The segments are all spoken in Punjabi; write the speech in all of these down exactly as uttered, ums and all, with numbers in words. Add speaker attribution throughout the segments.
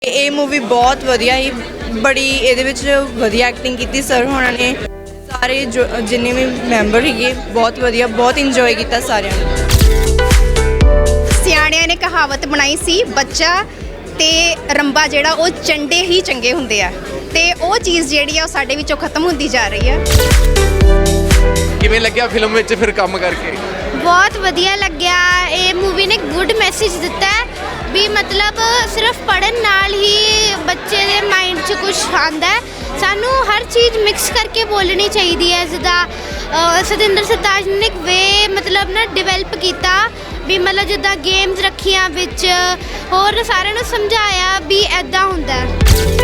Speaker 1: ਇਹ ਮੂਵੀ ਬਹੁਤ ਵਧੀਆ ਹੀ ਬੜੀ ਇਹਦੇ ਵਿੱਚ ਵਧੀਆ ਐਕਟਿੰਗ ਕੀਤੀ ਸਰ ਹੋਣਾ ਨੇ। ਸਾਰੇ ਜੋ ਜਿੰਨੇ ਵੀ ਮੈਂਬਰ ਸੀਗੇ ਬਹੁਤ ਵਧੀਆ, ਬਹੁਤ ਇੰਜੋਏ ਕੀਤਾ ਸਾਰਿਆਂ ਨੇ।
Speaker 2: ਸਿਆਣਿਆਂ ਨੇ ਕਹਾਵਤ ਬਣਾਈ ਸੀ, ਬੱਚਾ ਤੇ ਰੰਬਾ ਜਿਹੜਾ ਉਹ ਚੰਡੇ ਹੀ ਚੰਗੇ ਹੁੰਦੇ ਆ, ਤੇ ਉਹ ਚੀਜ਼ ਜਿਹੜੀ ਆ ਉਹ ਸਾਡੇ ਵਿੱਚੋਂ ਖਤਮ ਹੁੰਦੀ ਜਾ ਰਹੀ ਆ।
Speaker 3: ਕਿਵੇਂ ਲੱਗਿਆ ਫਿਲਮ ਵਿੱਚ ਫਿਰ ਕੰਮ ਕਰਕੇ?
Speaker 4: ਬਹੁਤ ਵਧੀਆ ਲੱਗਿਆ। ਇਹ ਮੂਵੀ ਨੇ ਗੁੱਡ ਮੈਸੇਜ ਦਿੱਤਾ ਹੈ ਵੀ ਮਤਲਬ ਸਿਰਫ ਪੜ੍ਹਨ ਨਾਲ ਹੀ ਬੱਚੇ ਦੇ ਮਾਈਂਡ 'ਚ ਕੁਝ ਆਉਂਦਾ ਹੈ। ਸਾਨੂੰ ਹਰ ਚੀਜ਼ ਮਿਕਸ ਕਰਕੇ ਬੋਲਣੀ ਚਾਹੀਦੀ ਹੈ। ਜਿੱਦਾਂ ਸਤਿੰਦਰ ਸਰਤਾਜ ਨੇ ਇੱਕ ਵੇ ਮਤਲਬ ਨਾ ਡਿਵੈਲਪ ਕੀਤਾ ਵੀ ਮਤਲਬ ਜਿੱਦਾਂ ਗੇਮਸ ਰੱਖੀਆਂ ਵਿੱਚ, ਹੋਰ ਸਾਰਿਆਂ ਨੂੰ ਸਮਝਾਇਆ ਵੀ ਐਦਾਂ ਹੁੰਦਾ ਹੈ।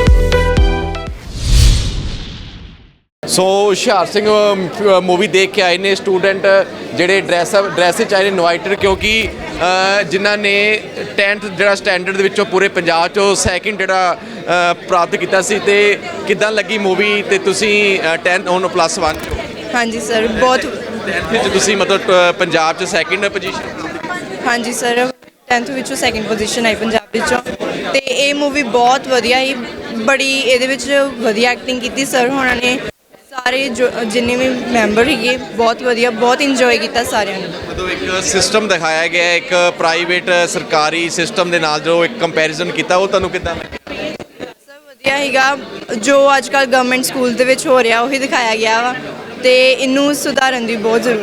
Speaker 3: ਸੋ ਹੁਸ਼ਿਆਰ ਸਿੰਘ ਮੂਵੀ ਦੇਖ ਕੇ ਆਏ ਨੇ ਸਟੂਡੈਂਟ ਜਿਹੜੇ ਡਰੈਸ ਡਰੈਸ 'ਚ ਆਏ ਨੇ ਇਨਵਾਈਟਡ, ਕਿਉਂਕਿ ਜਿਨ੍ਹਾਂ ਨੇ ਟੈਂਥ ਜਿਹੜਾ ਸਟੈਂਡਰਡ ਦੇ ਵਿੱਚੋਂ ਪੂਰੇ ਪੰਜਾਬ 'ਚੋਂ ਸੈਕਿੰਡ ਜਿਹੜਾ ਪ੍ਰਾਪਤ ਕੀਤਾ ਸੀ। ਤੇ ਕਿੱਦਾਂ ਲੱਗੀ ਮੂਵੀ? ਤੇ ਤੁਸੀਂ ਟੈਂਥ ਹੁਣ ਪਲੱਸ ਵਨ 'ਚ?
Speaker 1: ਹਾਂਜੀ ਸਰ, ਬਹੁਤ
Speaker 3: ਟੈਂਥ ਵਿੱਚ ਤੁਸੀਂ ਮਤਲਬ ਪੰਜਾਬ 'ਚ ਸੈਕਿੰਡ ਪੋਜੀਸ਼ਨ?
Speaker 1: ਹਾਂਜੀ ਸਰ, ਟੈਂਥ ਵਿੱਚੋਂ ਸੈਕਿੰਡ ਪੋਜੀਸ਼ਨ ਆਈ ਪੰਜਾਬ ਵਿੱਚੋਂ। ਤੇ ਇਹ ਮੂਵੀ ਬਹੁਤ ਵਧੀਆ ਹੀ ਬੜੀ ਇਹਦੇ ਵਿੱਚ ਵਧੀਆ ਐਕਟਿੰਗ ਕੀਤੀ ਸਰ ਹੋਣਾ ਨੇ। ਸਾਰੇ ਜੋ ਜਿੰਨੇ ਵੀ ਮੈਂਬਰ ਸੀਗੇ ਬਹੁਤ ਵਧੀਆ, ਬਹੁਤ ਇੰਜੋਏ ਕੀਤਾ ਸਾਰਿਆਂ ਨੇ।
Speaker 3: ਜਦੋਂ ਇੱਕ ਸਿਸਟਮ ਦਿਖਾਇਆ ਗਿਆ, ਇੱਕ ਪ੍ਰਾਈਵੇਟ ਸਰਕਾਰੀ ਸਿਸਟਮ ਦੇ ਨਾਲ ਜੋ ਇੱਕ ਕੰਪੈਰੀਜ਼ਨ ਕੀਤਾ, ਉਹ ਤੁਹਾਨੂੰ ਕਿੱਦਾਂ ਲੱਗਿਆ?
Speaker 1: ਸਭ ਵਧੀਆ ਸੀਗਾ। ਜੋ ਅੱਜ ਕੱਲ੍ਹ ਗਵਰਨਮੈਂਟ ਸਕੂਲ ਦੇ ਵਿੱਚ ਹੋ ਰਿਹਾ ਉਹੀ ਦਿਖਾਇਆ ਗਿਆ ਵਾ, ਤੇ ਇਹਨੂੰ ਸੁਧਾਰਨ ਦੀ ਬਹੁਤ ਜ਼ਰੂਰਤ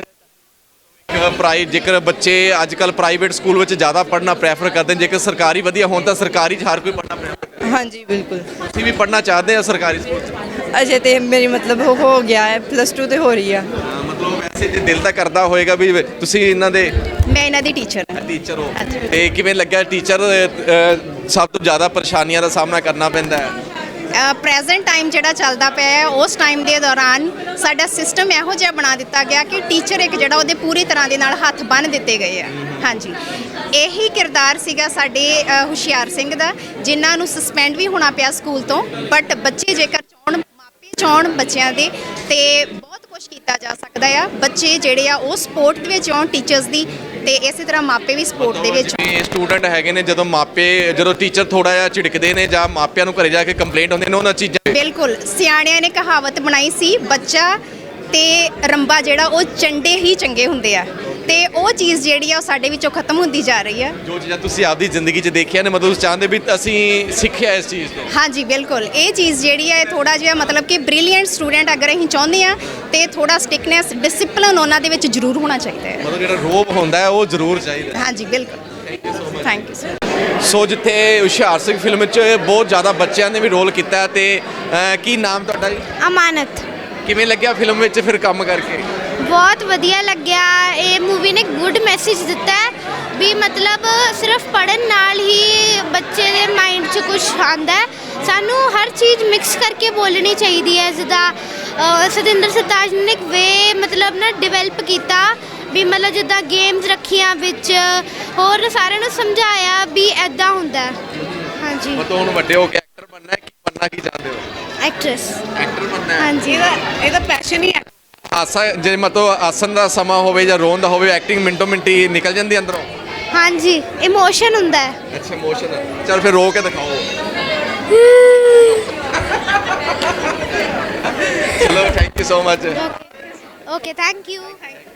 Speaker 1: ਹੈ।
Speaker 3: ਪ੍ਰਾਈ ਜੇਕਰ ਬੱਚੇ ਅੱਜ ਕੱਲ੍ਹ ਪ੍ਰਾਈਵੇਟ ਸਕੂਲ ਵਿੱਚ ਜ਼ਿਆਦਾ ਪੜ੍ਹਨਾ ਪ੍ਰੈਫਰ ਕਰਦੇ ਨੇ, ਜੇਕਰ ਸਰਕਾਰੀ ਵਧੀਆ ਹੋਣ ਤਾਂ ਸਰਕਾਰੀ 'ਚ ਹਰ ਕੋਈ ਪੜ੍ਹਨਾ ਪ੍ਰੈਫਰ ਕਰਦਾ।
Speaker 1: ਹਾਂਜੀ ਬਿਲਕੁਲ।
Speaker 3: ਤੁਸੀਂ ਵੀ ਪੜ੍ਹਨਾ ਚਾਹਦੇ ਆ ਸਰਕਾਰੀ ਸਕੂਲ 'ਚ?
Speaker 1: ਅਜੇ ਤੇ ਮੇਰੀ ਮਤਲਬ ਹੋ ਹੋ ਗਿਆ ਹੈ, ਪਲੱਸ ਟੂ ਤੇ ਹੋ ਰਹੀ ਆ।
Speaker 3: ਮਤਲਬ ਵੈਸੇ ਜੇ ਦਿਲ ਤਾਂ ਕਰਦਾ ਹੋਏਗਾ ਵੀ ਤੁਸੀਂ ਇਹਨਾਂ ਦੇ
Speaker 2: ਮੈਂ ਇਹਨਾਂ ਦੀ ਟੀਚਰ ਹਾਂ।
Speaker 3: ਟੀਚਰ ਹੋ, ਤੇ ਕਿਵੇਂ ਲੱਗਿਆ? ਟੀਚਰ ਸਭ ਤੋਂ ਜ਼ਿਆਦਾ ਪਰੇਸ਼ਾਨੀਆਂ ਦਾ ਸਾਹਮਣਾ ਕਰਨਾ ਪੈਂਦਾ ਹੈ।
Speaker 2: ਪ੍ਰੈਜ਼ੈਂਟ ਟਾਈਮ ਜਿਹੜਾ ਚੱਲਦਾ ਪਿਆ ਹੈ, ਉਸ ਟਾਈਮ ਦੇ ਦੌਰਾਨ ਸਾਡਾ ਸਿਸਟਮ ਇਹੋ ਜਿਹਾ ਬਣਾ ਦਿੱਤਾ ਗਿਆ ਕਿ ਟੀਚਰ ਇੱਕ ਜਿਹੜਾ ਉਹਦੇ ਪੂਰੀ ਤਰ੍ਹਾਂ ਦੇ ਨਾਲ ਹੱਥ ਬੰਨ੍ਹ ਦਿੱਤੇ ਗਏ ਆ। ਹਾਂਜੀ, ਇਹੀ ਕਿਰਦਾਰ ਸੀਗਾ ਸਾਡੇ ਹੁਸ਼ਿਆਰ ਸਿੰਘ ਦਾ, ਜਿਨ੍ਹਾਂ ਨੂੰ ਸਸਪੈਂਡ ਵੀ ਹੋਣਾ ਪਿਆ ਸਕੂਲ ਤੋਂ। ਬਟ ਬੱਚੇ ਜੇਕਰ ਚਾਹੁਣ, ਮਾਪੇ ਚਾਹੁਣ ਬੱਚਿਆਂ ਦੇ, ਤੇ ਬਹੁਤ ਕੁਝ ਕੀਤਾ ਜਾ ਸਕਦਾ ਆ। ਬੱਚੇ ਜਿਹੜੇ ਆ ਉਹ ਸਪੋਰਟ ਦੇ ਵਿੱਚ ਆਉਣ ਟੀਚਰਸ ਦੀ, ਤੇ ਇਸੇ ਤਰ੍ਹਾਂ ਮਾਪੇ ਵੀ ਸਪੋਰਟ ਦੇ ਵਿੱਚ।
Speaker 3: ਸਟੂਡੈਂਟ ਹੈਗੇ ਨੇ, ਜਦੋਂ ਮਾਪੇ ਜਦੋਂ ਟੀਚਰ ਥੋੜਾ ਜਿਹਾ ਝਿੜਕਦੇ ਨੇ ਜਾਂ ਮਾਪਿਆਂ ਨੂੰ ਘਰੇ ਜਾ ਕੇ ਕੰਪਲੇਂਟ ਹੁੰਦੇ ਨੇ, ਉਹਨਾਂ ਚੀਜ਼ਾਂ।
Speaker 2: ਬਿਲਕੁਲ, ਸਿਆਣਿਆਂ ਨੇ ਕਹਾਵਤ ਬਣਾਈ ਸੀ, ਬੱਚਾ ਤੇ ਰੰਬਾ ਜਿਹੜਾ ਉਹ ਚੰਡੇ ਹੀ ਚੰਗੇ ਹੁੰਦੇ ਆ, ਤੇ ਉਹ ਚੀਜ਼ ਜਿਹੜੀ ਆ ਉਹ ਸਾਡੇ ਵਿੱਚੋਂ ਖਤਮ ਹੁੰਦੀ ਜਾ ਰਹੀ ਆ। ਜੋ
Speaker 3: ਚੀਜ਼ਾਂ ਤੁਸੀਂ ਆਪਦੀ ਜ਼ਿੰਦਗੀ 'ਚ ਦੇਖਿਆ ਨੇ, ਮਤਲਬ ਚਾਹੁੰਦੇ ਵੀ ਅਸੀਂ ਸਿੱਖਿਆ ਇਸ ਚੀਜ਼ ਤੋਂ? ਹਾਂਜੀ
Speaker 2: ਬਿਲਕੁਲ, ਇਹ ਚੀਜ਼ ਜਿਹੜੀ ਹੈ ਥੋੜਾ ਜਿਹਾ ਮਤਲਬ ਕਿ ਬ੍ਰਿਲੀਅੰਟ ਸਟੂਡੈਂਟ ਅਗਰ ਅਸੀਂ ਚਾਹੁੰਦੇ ਆ, ਤੇ ਥੋੜਾ ਸਟਿਕਨੈਸ, ਡਿਸਪਲਿਨ ਉਹਨਾਂ ਦੇ ਵਿੱਚ ਜ਼ਰੂਰ ਹੋਣਾ ਚਾਹੀਦਾ ਹੈ।
Speaker 3: ਮਤਲਬ ਜਿਹੜਾ ਰੋਬ ਹੁੰਦਾ ਹੈ ਉਹ ਜ਼ਰੂਰ ਚਾਹੀਦਾ।
Speaker 2: ਹਾਂਜੀ ਬਿਲਕੁਲ। Thank you so much. Thank you sir.
Speaker 3: So ਜਿੱਥੇ ਹੁਸ਼ਿਆਰ ਸਿੰਘ ਫਿਲਮ ਵਿੱਚ ਬਹੁਤ ਜ਼ਿਆਦਾ ਬੱਚਿਆਂ ਨੇ ਵੀ ਰੋਲ ਕੀਤਾ, ਤੇ ਕੀ ਨਾਮ ਤੁਹਾਡਾ ਜੀ?
Speaker 4: ਅਮਾਨਤ।
Speaker 3: ਕਿਵੇਂ ਲੱਗਿਆ ਫਿਲਮ ਵਿੱਚ ਫਿਰ ਕੰਮ ਕਰਕੇ?
Speaker 4: ਬਹੁਤ ਵਧੀਆ ਲੱਗਿਆ। ਇਹ ਮੂਵੀ ਨੇ ਗੁੱਡ ਮੈਸੇਜ ਦਿੱਤਾ ਹੈ ਵੀ ਮਤਲਬ ਸਿਰਫ ਪੜ੍ਹਨ ਨਾਲ ਹੀ ਬੱਚੇ ਦੇ ਮਾਈਂਡ 'ਚ ਕੁਝ ਆਉਂਦਾ ਹੈ। ਸਾਨੂੰ ਹਰ ਚੀਜ਼ ਮਿਕਸ ਕਰਕੇ ਬੋਲਣੀ ਚਾਹੀਦੀ ਹੈ। ਜਿੱਦਾਂ ਸਤਿੰਦਰ ਸਰਤਾਜ ਨੇ ਇੱਕ ਵੇ ਮਤਲਬ ਨਾ ਡਿਵੈਲਪ ਕੀਤਾ ਵੀ ਮਤਲਬ ਜਿੱਦਾਂ ਗੇਮਸ ਰੱਖੀਆਂ ਵਿੱਚ, ਹੋਰ ਸਾਰਿਆਂ ਨੂੰ ਸਮਝਾਇਆ ਵੀ ਐਦਾਂ ਹੁੰਦਾ ਹੈ। ਹਾਂਜੀ,
Speaker 3: ਮਤਲਬ ਹੁਣ ਵੱਡੇ ਹੋ ਕੇ ਐਕਟਰ ਬਣਨਾ ਹੈ, ਕੀ ਬਣਨਾ ਕੀ ਚਾਹੁੰਦੇ ਹੋ?
Speaker 4: ਐਕਟਰੈਸ।
Speaker 3: ਐਕਟਰ ਬਣਨਾ ਹੈ?
Speaker 4: ਹਾਂਜੀ,
Speaker 1: ਇਹਦਾ ਇਹਦਾ ਪੈਸ਼ਨ ਹੀ ਹੈ।
Speaker 3: ਆਸਾ ਜੇ ਮਤਲਬ ਆਸਨ ਦਾ ਸਮਾਂ ਹੋਵੇ ਜਾਂ ਰੋਣ ਦਾ ਹੋਵੇ, ਐਕਟਿੰਗ ਮਿੰਟੋ ਮਿੰਟੀ ਨਿਕਲ ਜਾਂਦੀ ਅੰਦਰੋਂ?
Speaker 4: ਹਾਂਜੀ, ਇਮੋਸ਼ਨ ਹੁੰਦਾ ਹੈ।
Speaker 3: ਅੱਛਾ, ਇਮੋਸ਼ਨ। ਚਲ ਫਿਰ ਰੋ ਕੇ ਦਿਖਾਓ। ਚਲੋ, thank you so much.
Speaker 4: Okay, thank you.